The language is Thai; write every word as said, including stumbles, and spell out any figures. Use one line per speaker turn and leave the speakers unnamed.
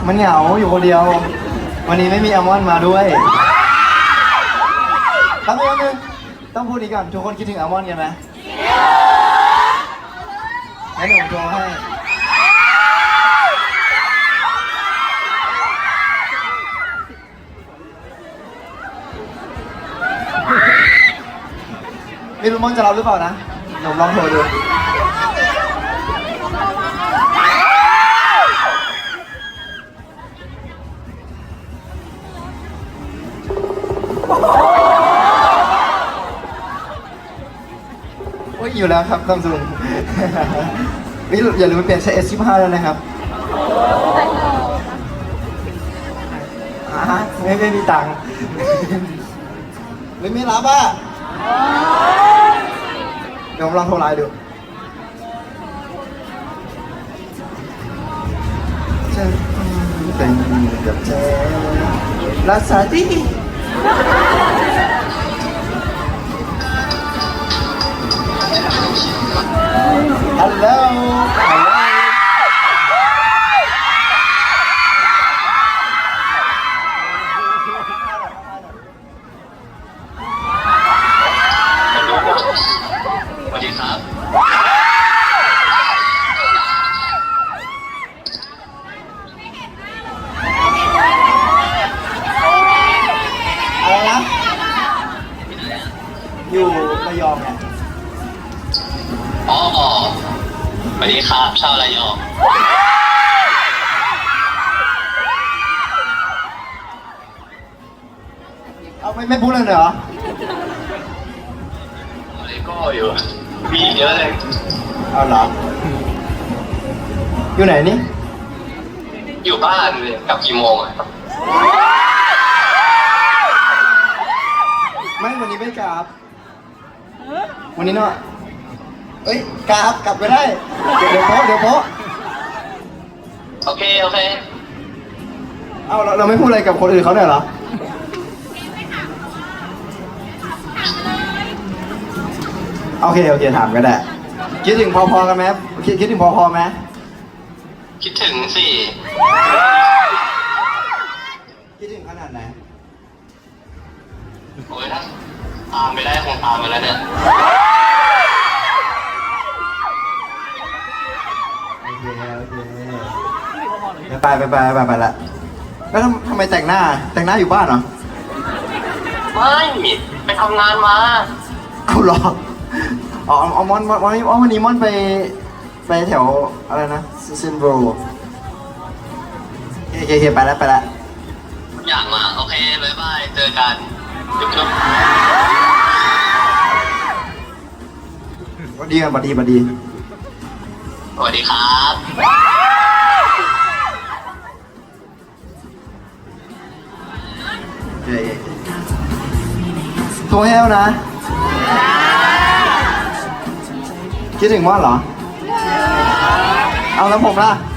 มันเหงาอยู่คนเดียววันนี้ไม่มีอัลมอนด์มาด้วยแป๊บนึงแป๊บนึงต้องพูดอีกก่อนทุกคนคิดถึงอัลมอนด์กันไหมงั้นผมโทรให้ไม่รู้มอนจะรับหรือเปล่านะหนูลองโทรดูโอ้ยอยู่แล้วครับซัมซุงนี่อย่าลืมเปลี่ยนใช้ เอส สิบห้า แล้วนะครับอ่าไม่ไม่มีตังค์ไม่ไม่รับอ่ะเดี๋ยวผมลองโทรไลน์ดูจะเป็นกับเธอรักษาที่ฮัลโหลฮัลโหล
สวัสดีครับ
อะไรนะอยู่ระยองไง
อ๋อสวัสดีครับชาวระยอง
เอาไม่ไม่พูดเลยเหรอ
เลโก้อยู่มีเยอะเลย
เอาเหรออยู่ไหนนี่
อยู่บ้านเลยกลับกี่โมงอ่ะ
ไม่วันนี้ไม่กลับวันนี้เนาะเอ้ยกลับกลับไปได้เดี๋ยวเดี๋ยวโพเดี๋ยวโพ
โอเคโอเค
เอาเราเราไม่พูดอะไรกับคนอื่นเขาเนี่ยเหรอโอเคโอเคถามก็ได้คิดถึงพอๆกันไหมคิดคิดถึงพอๆไหม
คิดถึงสิ
คิดถึงขนาดไหน
โอ้ยถ้าตามไปได้คงตามไปแล้วเนี่ย
โอเคโอเคไปไปไปไปไปละแล้วทำทำไมแต่งหน้าแต่งหน้าอยู่บ้านเหรอ
ไม่ไปทำงานมา
เอาหรออ๋อเอามอนวันนี้วันนี้มอนไปไปแถวอะไรนะเซนโบรโอเคโอเคไปแล้วไปแล้ว
อยากมาโอเคบ๊ายบายเจอกันจุ๊บจุ๊บ
สวัสดีครับสวัสดีสวัสดี
สวัสดีครับ
โอเคโทรให้แล้วนะคิดถึงมอนเหรอเอาแล้วผมล่ะ